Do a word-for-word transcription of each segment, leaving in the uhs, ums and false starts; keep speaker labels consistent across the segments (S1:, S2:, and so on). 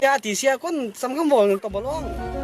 S1: าตีเสียคนสำคัญบ่ตบบ่ลง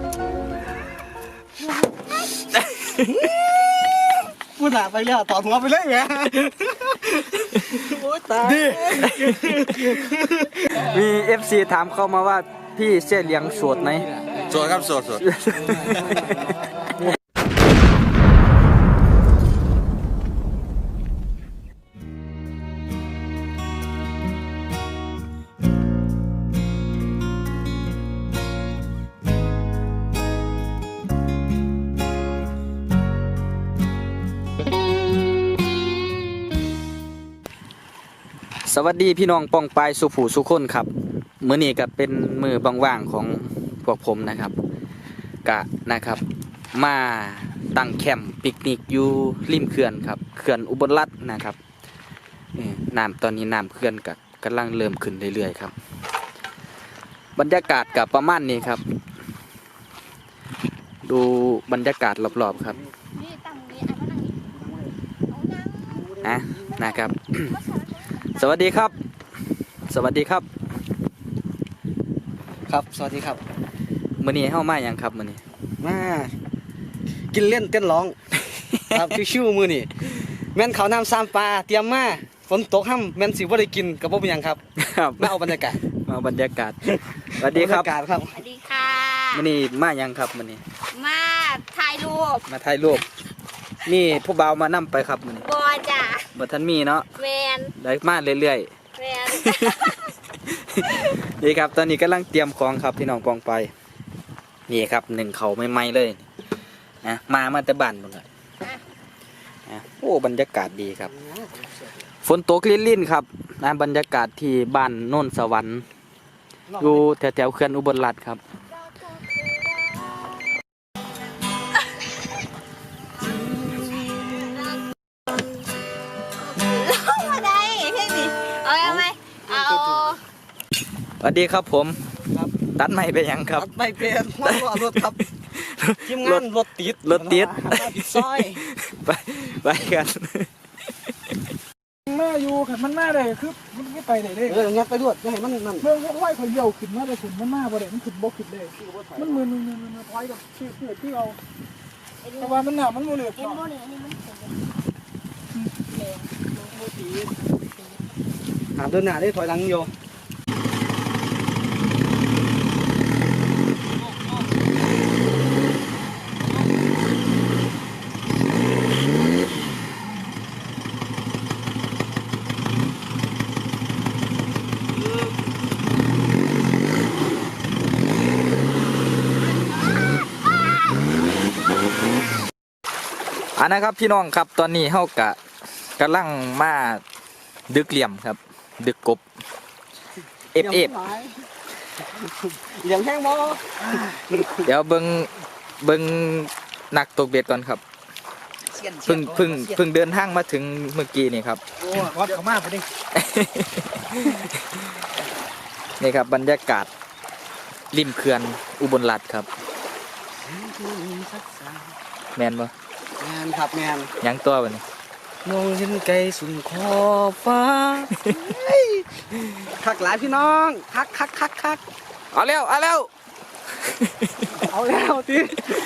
S1: พูดหนาไปแล้วต่อหัวไปเลยแหมโอ้ยตาย
S2: มี เอฟ ซี ถามเข้ามาว่าพี่เสี่ยเหลียงโสดไหม
S3: โสดครับโสดโสด
S2: สวัสดีพี่น้องป้องปายสุผู้สุคนครับมื้อนี้ก็เป็นมือว่างๆของพวกผมนะครับกะนะครับมาตั้งแคมป์ปิกนิกอยู่ริมเขื่อนครับเขื่อนอุบลรัตน์นะครับน้ำตอนนี้น้ำเขื่อนก็กำลังเริ่มขึ้นเรื่อยๆครับบรรยากาศกับประมาณนี้ครับดูบรรยากาศรอบๆครับอ่ะนะครับ สวัสดีครับสวัสดีครับ
S1: ครับสวัสดีครับ
S2: มื้อนี้เฮามาหยังครับมื้อนี้
S1: มากินเล่นเต้นร้องครับชิวๆมื้อนี้แม่นเขาน้ำซ้ำปลาเตรียมมาฝนตกห้ำแม่นสิบ่ได้กินก็บ่เป็นหยังครับ
S2: ครับ
S1: มาเอาบรรยากาศ
S2: มาบรรยากาศสวัสดีครับ
S1: บรรยากาศครับ
S4: สวัสดีค่ะ
S2: มื้อนี้มาหยังครับมื้อนี้
S4: มาถ่ายรูป
S2: มาถ่ายรูปมีผู้บ่าวมานำไปครับมื้อนี้
S4: บอจ้ะ
S2: บ่ทันมีเนาะ
S4: แมน
S2: ได้มาเรื่อย
S4: ๆแมน
S2: นี่ครับตอนนี้กำลังเตรียมของครับพี่น้องปองไปนี่ครับหนึ่งเขาใหม่ๆเลยนะมามาแต่บ้านหมดเลยนะโอ้บรรยากาศดีครับฝนตกลิ่นๆครับนะบรรยากาศที่บ้านโน่นสวรรค์อยู่แถวๆเขื่อนอุบลรัตน์ครับ
S4: มาได้เพ่งดิเอาเอาไหมเอา
S2: สวัสดีครับผมตัดไม้ไปยังครับ
S1: ตัดไม้เป็นว่ารถครับทีมงานรถติด
S2: รถติด
S1: ซอย
S2: ไปไปกัน
S5: มาอยู่ขันมันมาได้คือมันไม่ไปได้เลย
S1: เอองัดไปด้วยจะให้มันนั่น
S5: เมื่อไหวเขาเยี่ยวขึ้นมาได้ขึ้นมันมาบ่ได้มันขึ้นบกขึ้นเลยมันมือมือมือมือพอยกับชื่อเพื่อที่เอาแต่ว่ามันหนามันโมเหลือเนาะ
S1: หาเดินหน้าได้ถอยหลังโย
S2: อันนะครับพี่น้องครับตอนนี้เฮากะกำลังมาดึกเหลี่ยมครับดึกกบเอฟเอฟ
S1: เหลี่ยมแห้งบ่
S2: เดี๋ยวเบิ่งเบิ่งนักตกเบ็ดก่อนครับเพิ่งเพิ่งเพิ่งเดินทางมาถึงเมื่อกี้นี่ครับ
S1: โอ้วัดเขามาพอดี
S2: นี่ครับบรรยากาศริมเขื่อนอุบลรัตน์ครับแมนบ่
S1: แมนครับแมน
S2: ยังตัวบ่นี่
S1: มองเห็นไกลสุดขอบฟ้าคักหลายพี่น้องคักคักคักคัก
S2: เอาแล้วเอาแล้ว
S1: เอาแล้วที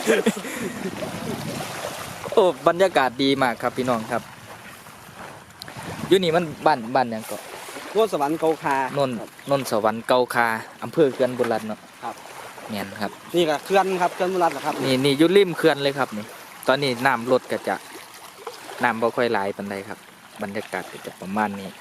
S2: โอ้บรรยากาศดีมากครับพี่น้องครับอยู่นี่มันบ้านบ้านยังเกาะ
S1: โนนสวรรค์เกาคาน
S2: นนนสวรรค์เกาคาอำเภอเขื่อนบุรีรัตน์เนาะ
S1: ครับ
S2: แม่นครับ
S1: นี่ก็เขื่อนครับเขื่อนบุรีรัตน์ครับ
S2: นี่นี่อยู่ริมเขื่อนเลยครับนี่ตอนนี้น้ำลดก็จะน้ำบ่ค่อยไหลปานใดครับบรรยากาศก็จะประมาณนี้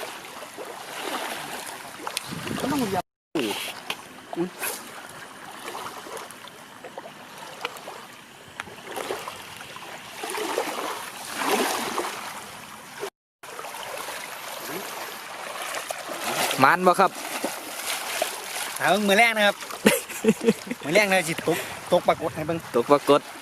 S2: มันบ่ครับ
S1: หาเบิ่งมือแรกนะครับมือแรกเลยจิตตกตกปรากฏให้เบิ่ง
S2: ตกปรากฏ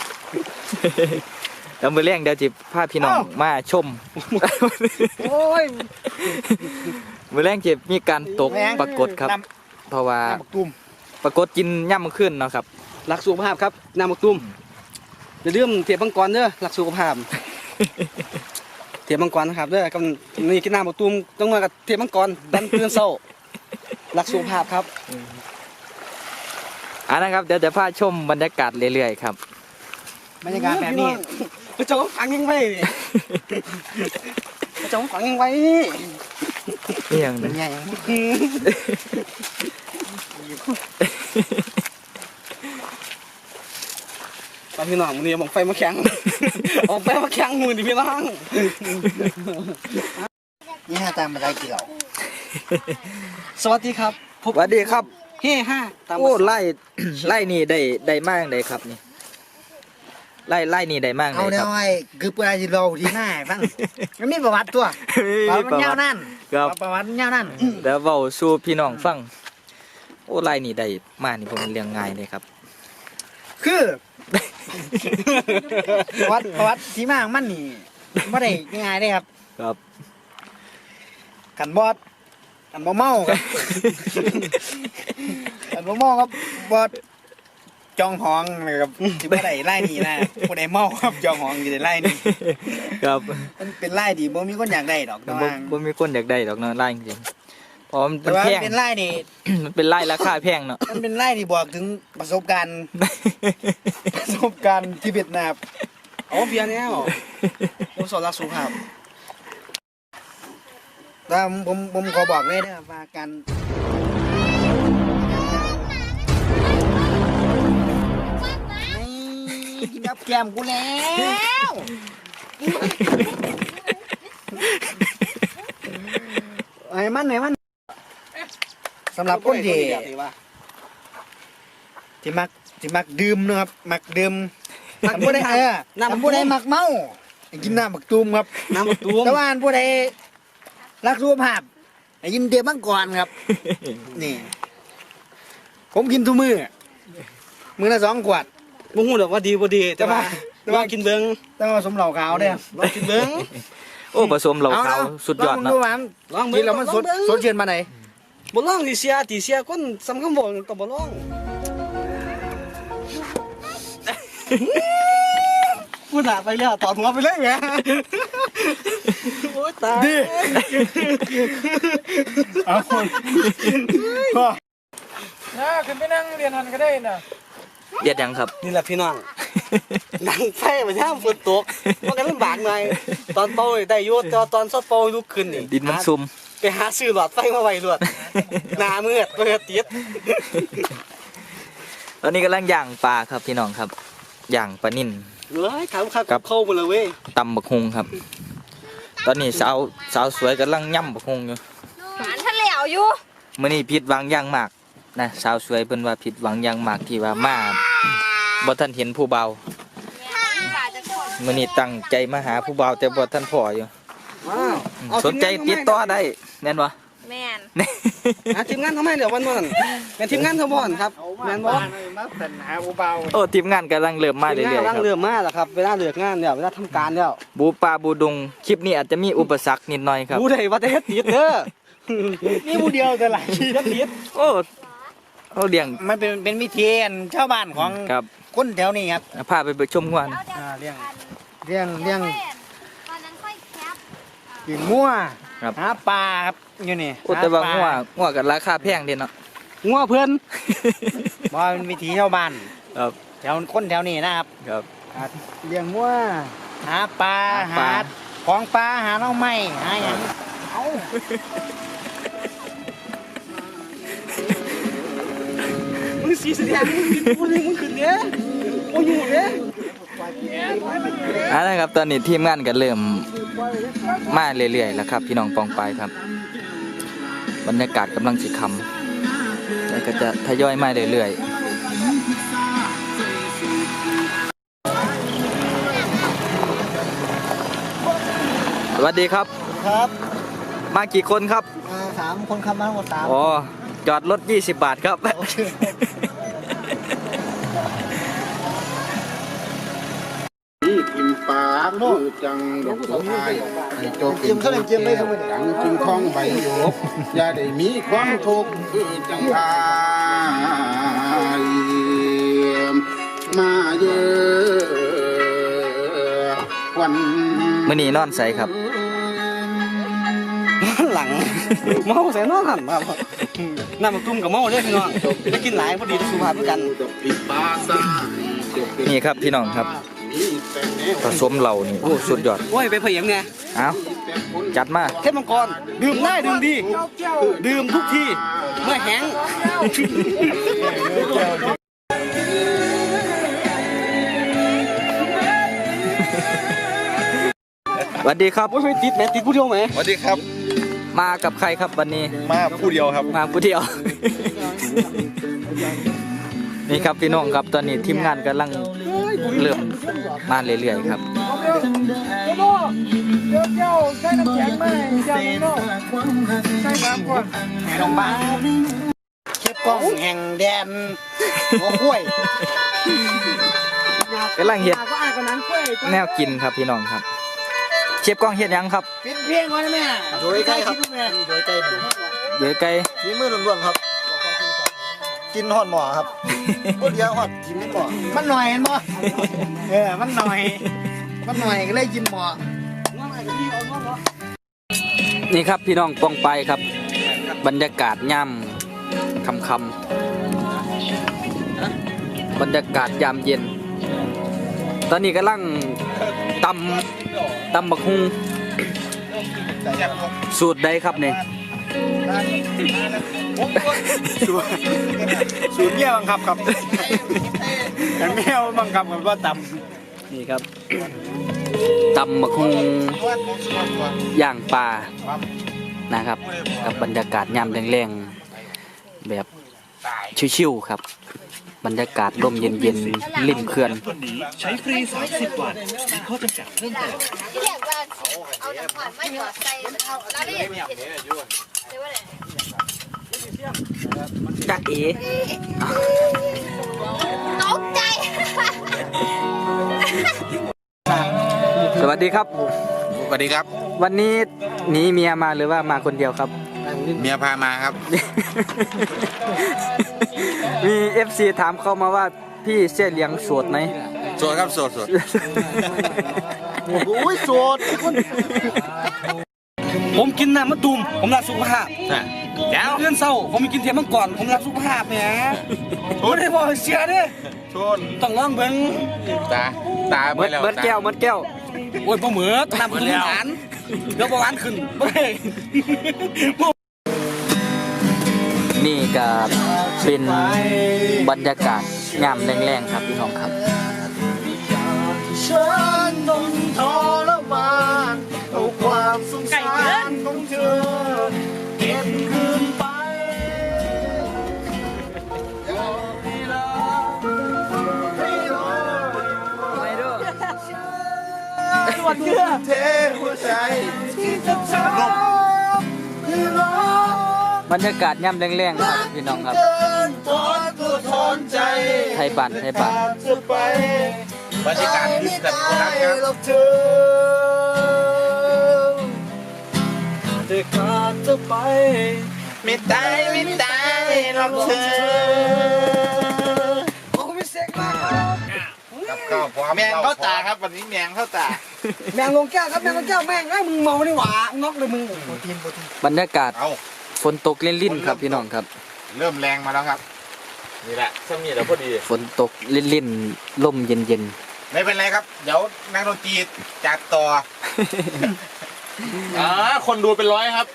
S2: แล้วมือแรงเดี๋ยวจิพาพี่น้องมาชม
S1: โอ้ย
S2: มือแรงจิมีการตกปรากฏครับเพราะว่าปรากฏกินย่ำขึ้นเนาะครับ
S1: หลักสุขภาพครับน้ำมักตุ้มจะเรื่องเทียบมังกรเด้อหลักสุขภาพเทียบมังกรนะครับเด้อกับนี่กินน้ำมักตุ้มต้องมากับเทียบมังกรดันเพื่อนเศร้าหลักสุขภาพครับ
S2: อ่ะนะครับเดี๋ยวจะพาชมบรรยากาศเรื่อยๆครับ
S5: บรรยากาศแบบนี้
S1: กระจกฝังยังไว้กระจกฝังยังไว้
S2: นี่อย่าง
S5: เป็
S2: นึ
S5: น
S2: ง
S5: ไง
S1: ตอนพี่น้องมือนี้บอกไฟมาแข็งออกไฟมาแข็งมือดิพี่น้อง
S5: นี่ฮะตามมาได้กี่เหล่า
S1: สวัสดีครับ
S2: สวัสดีครับ
S1: เฮ้ห้าตาม
S2: โอ้ไล่ ไล่นี่ได้ได้มากเลยครับนี่ไล่ไล่นี่ได้มากเล
S5: เอา
S2: ย
S5: เดี๋
S2: ค
S5: ย
S2: รับ
S5: วไอ้คือเปิดที่เราที่หน้าให้ฟังมันมีประวัติตัวประวัติมันยาวนั่น
S2: ครับ
S5: ประวัติมันยาวนั่น
S2: เดี๋ยวเว้าสู่พี่น้องฟังโอ้ไล่นี่ได้มากนี่ผมเรียงง่ายเลยครับ
S5: คือ ประวัติประวัติที่มาของมันนี่ไม่ได้ง่ายเลยครับ
S2: ครับ
S5: กันบอดกันบ่เมาครับ กันบ่เมาครับบอดจองหองนะครับที่บ่ได้ไล่นี่นะบ่ได้เมาครับจองหองอยู่ได้ไล่นี่
S2: ครับ
S5: มันเป็นไล่ที่บ่มีคนอยากได้ดอกแต่
S2: บ่
S5: ว่า
S2: บ่มีคนอยากได้ดอกเนาะไล่จริงๆเพราะมัน
S5: แต่
S2: มัน
S5: ว่า
S2: แพง
S5: เป็นไล่นี่
S2: มันเป็นไล่ราคาแพงเนาะ
S5: มันเป็นไล่ที่บอกถึงประสบการณ์ ประสบการณ์ที่เวียดนาม
S1: เอาเบียร์เนี่ยผมสอนรักสุภาพ
S5: แต่ผมผมขอบอกเลยนะครับว่าการนี่กินกับแก้มกูแล้วไอ้มันไอ้มันสำหรับคนที่ที่มักที่มักดื่มนะครับมักดื่มทำผู้ใดเออทำผู้ใดมักเมาให้กินน้ำมักตูมครับ
S1: น้ำมะตูม
S5: แต่ว่าอันผู้ใดรักสุขภาพให้กินเดียมังกรครับ นี่ ผมกินทุกมือมือละสองขวด
S1: บ่ฮู้ดอกว่าดีบ่ดีแต่ว่า
S5: แต่ว่า
S1: ลองกินเบิ่ง
S5: ต้องเอาสมเหล่าขาวเด้อ
S1: ลองกินเบิ่ง
S2: โอ้ผสมเหล่าขาว
S5: อ
S2: สุดยอด
S5: ลง
S2: เนาะ
S5: ดูว่ามัน
S1: ลองเบิ่
S5: กิ
S1: ง
S5: นแล้วมันสด
S1: ลองเบิ่ง
S5: สดชื่นมาไหน
S1: บ่ลองสิเสียติเสียคนสำคัญบ่ก็บ่ลองพูดหน้าไปแล้วตอดหัวไปเลยแหมโอ้ยตาย
S5: ดิเอาคนพ่อน่าขึ้นไปนั่งเรียนหันก็ได้น่ะ
S2: เย็ดยังครับ
S1: นี่แหละพี่น้องนั่งไฟไปย่ามฝนตกมันก็ลำบากหน่อยตอนเป่าได้อยู่แต่ว่าตอนซอดเป่าลุกขึ้นนี่
S2: ดินมันซุ่ม
S1: ไปหาซื้อหลอดไฟมาไว้รวดหน้ามืดเพื่อติด
S2: ตอนนี้กำลังย่างปลาครับพี่น้องครับย่างปลานิ่น
S1: เลยถามครับ
S2: ครับ
S1: เข้ามาเลยเว้ย
S2: ตำบักฮุงครับ ตอนนี้สาวสาวสวยกำลังย่ำบักฮุงอยู่
S4: หวานทะเลวอยู่
S2: มื่อนี้ผิดหวังอย่างมากนะสาวสวยเพิ่นว่าผิดหวังอย่างมากที่ว่ามาบ่ทันเห็นผู้เบา
S4: ปลาจะกด
S2: มื่อนี้ตั้งใจมาหาผู้เบาแต่บ่ทันพออยู่
S1: ว้าว
S2: อืม
S1: เอา
S2: สนใจติดต่อได้แม่นบ่
S4: แม่น
S1: อ่ะทีมงานทำไมเหลือวันวันเป็นทีมงานทบอนครับแมนบอล
S5: มาสัญหาผู้เบา
S2: โอ้ทีมงานกำลังเริ่มมา
S1: ที
S2: เรื่
S1: มงาน
S2: อยๆค
S1: ร่าง
S2: รับ
S1: เรือมาแล้วครับเวลาเลือกงานเนี่ยเวลาทำการเนี่ย
S2: บูปลาบูดงคลิปนี้อาจจะมีอุปสรรคนิดหน่อยครับ
S1: รู้ได้ว่าจะเฮ็ดติดเด้อ
S5: นี่ผู้เดียวแต่หลาย
S1: เฮ็ดติด
S2: โอ้โอ้เลี้ยง
S5: มันเป็นเป็นวิธีอันชาวบ้านของ
S2: ครับ
S5: คนแถวนี้ครับ
S2: พาไปไปชมงวน
S5: อ่าเลี้ยงเลี้ยงเลี้ยง
S4: ตอนนั้นค่อยแคป
S5: กินงัว
S2: ครับ
S5: หาปลาครับอยู่นี่
S2: โอ้แต่ว่า
S5: หปล
S2: งัวงัวกับราคาแพงเด่นเนาะ
S1: งัวเพื่อน
S5: บ่ว่าเป็นวิธีชาวบ้าน
S2: ครับ
S5: แถวคนแถวนี้นะครับ
S2: ครับ
S5: อ่าเลี้ยงงัวหาปลา
S2: หาปลา
S5: หาของปลาหาหน่อไม้หาอย่างเอา
S1: มึงสีแสดงมึงกินกูเลยมึงขึ้นเนี้ยโอ้ยอยู่เนี้ย
S2: เอ่านะครับตอนนี้ทีมงานก็เริ่มมาเรื่อยๆแล้วครับ พี่น้องปองปายครับ บรรยากาศกำลังสิคำแล้วก็จะทยอยมาเรื่อยๆสวัสดีครับ
S5: ครับ
S2: มากี่คนครับ
S5: อ่าสามคนขับมาทั้งหมดสาม
S2: อ๋อจอดรถยี่สิบบาทครับ
S3: นี่ทิมปากคือจังดอกบัวพายให้เจบเป็นคนแก้วดังจึงคล้องใบหยกอย่าได้มีความทุกข์คือจังพายมาเยอะวัน
S2: มื้อนี้นอนใส่ครับ
S1: หลังเมาใส่นอนหันมาบ่น้ำมันตุ้มกับเมาเด้อพี่น้องได้กินหลายพอดีต่อสุขภาพด้วยกัน
S2: นี่ครับพี่น้องครับผสมเหล่านี่โอ้สุดยอด
S1: โอ้ยไปเพียงไง
S2: เอาจัดมา
S1: เทพมังกรดื่มได้ดื่มดีดื่มทุกทีเมื่อแห้ง
S2: สวัสดีครับ
S1: โอ้ยไม่ติดแม่ติดผู้เดียวไหม
S3: สวัสดีครับ
S2: มากับใครครับวันนี้
S3: มาผู้เดียวครับ
S2: มาผู้เดียว นี่ครับพี่น้องครับตอนนี้ทีมงานกำลังเริ่มมาเรื่อยๆครับ
S5: ลงบ้านเชฟกล้องแห่งแดนหัวห้วย
S2: กำลังเฮ็ดแนวกินครับพี่น้องครับ เชฟกล้องเฮ็ดหยังครับ
S5: ปิดเพียงไว้นะแม่โดยไก่ครับโดยไก่
S2: เดี๋ยวไก่
S5: ฝีมือล้วนๆครับ กินหอดหมอครับก็เดียวหอดกินหมอมันหน่อยเห็นบ่เออมันหน่อย มันหน่อยก็เลยกินหมอ
S2: นี่ครับพี่น้องปองไปครับ บรรยากาศย่ำค่ำๆบรรยากาศยามเย็น ตอนนี้กำลังตำตำบักฮุงสูตรใดครับเนี่ย
S5: สูตรเมี่ยบังคับครับแต่เมี่ยบังคับมันว่าต
S2: นี่ครับตำบักฮุงย่างปลานะครับ กับบรรยากาศยามแรงๆแบบชิวๆครับ บรรยากาศลมเย็นๆริมเขื่อน
S6: ใช้ฟรีสามสิบวันมีข้อจำกัดเพิ่มเติม
S4: ที่เรียกว่าเอาน้ำผ่อนมาหยอดใส่แล้วได้เห็นเห็นเรียกว่าอะไร
S2: จ๊ะเอ๋
S4: ตกใจ
S2: สวัสดีครับ
S3: สวัสดีครับ
S2: วันนี้หนีเมียมาหรือว่ามาคนเดียวครับ
S3: เมียพามาครับ
S2: มี เอฟ ซี ถามเข้ามาว่าพี่เสี่ยเหลียงโสดไหม
S3: โสดครับโสดโสด
S1: โอ้ยโสดผมกินน้ำมะตูมผมรักสุขภาพ
S3: แก้ว
S1: เพื่อนเศร้าผมมีกินเทียมมังกรผมรักสุขภาพแหมไม่ได้บอกให้เสียเด้อ
S3: ชน
S1: ต้องลองเบิ่ง
S3: ตาตา
S2: เบิดเบิดแก้วเบิดแก้ว
S1: โอ้ยบ่เหมือน้ำคุณหวานเดี๋ยวบ่หวานขึ้นบ่ได้
S2: นี่ก็เป็นบรรยากาศงามแรงๆครับพี่น้องครับ
S5: ฉันต้องทรมานเอาความสงสารของเธอเก็บคืนไปให้รักให้รอวันเพื่อเทหัวใจที่จะทำให้รัก
S2: บรรยากาศย่ำแรงๆครับพี่น้องครับ
S5: เดินทอดตัวทอนใจ
S2: ไทยบ้านไทยบ้าน
S5: เธอไป
S3: บรรยากาศที่แบบคนรักครับ
S5: หรอกเธอแต่ขาดเธอไปไม่ตายไม่ตายหรอกเธอโอ้ไม่เซ็กมาก
S3: กับข้าวพร้อม
S5: แมงเข้าตาครับวันนี้แมงเข้าตา
S1: แมงลงแก้วครับแมงลงแก้วแม่งไอ้มึงเมานี่หว่าน็อกเลยมึง
S2: บรรยากาศ
S3: เอา
S2: ฝนตกลิ่นๆครับพี่น้องครับ
S3: เริ่มแรงมาแล้วครับ นี่แหละสมีแล้วพอดี
S2: ฝนตกลิ่นๆลมเย็น
S3: ไม่เป็นไรครับ เดี๋ยวนักดนตรีจัดต่อ อ่าคนดูเป็นร้อยครับ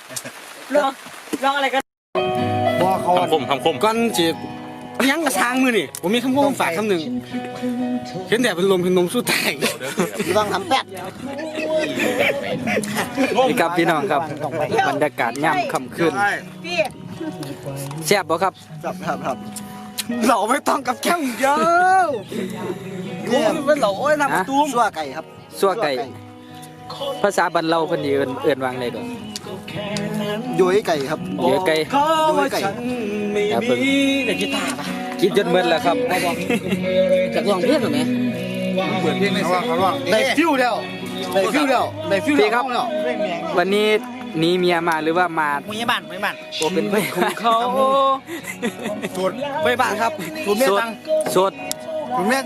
S1: บ่เขา
S3: คำคมคำคม
S1: ก่อนจีบยังกระชางมือนี่ผมมีคำพูดฝากคำหนึ่งเห็นแต่เป็นลมเป็นนมสู้ตาย
S5: ต้องทำแป๊ด
S2: ๆนี่ครับพี่น้องครับ บรรยากาศย่ำค่ำคืนแซ่บบ่ครับ
S1: ครับครับครับเราไม่ต้องกับแก้มเยอะกูเป็นเหล่าโอ้ยน้ำตุ้มซัวไก่ครับ
S2: ซั่วไก่ ภาษาบ้านเราเพิ่นสิเอิ้นเอิ้นว่าไงก่อน
S5: ยุ้ยไก่ครับ
S2: เดี๋ยวไก่
S1: ยุ้ยไก่ครับเพิ่นแต่กีตาร์ปะ
S2: คิดจนเบิดแล้วครับ
S1: จากลองเพื่อนหรือไง
S3: เปิดเพลงในสระว่าง
S1: ได้ฟิวเดียวได้ฟิวเดียวได้ฟิวเดี
S2: พี่
S1: ยว
S2: ครับ วันนี้หนีเมียมาหรือว่ามา
S5: มึงยังบ้านมึงยังบ้าน
S2: โอเป็นเพื่อนของเขา
S1: ไปบ้านครับ
S2: โสดโสด
S5: คุณแม่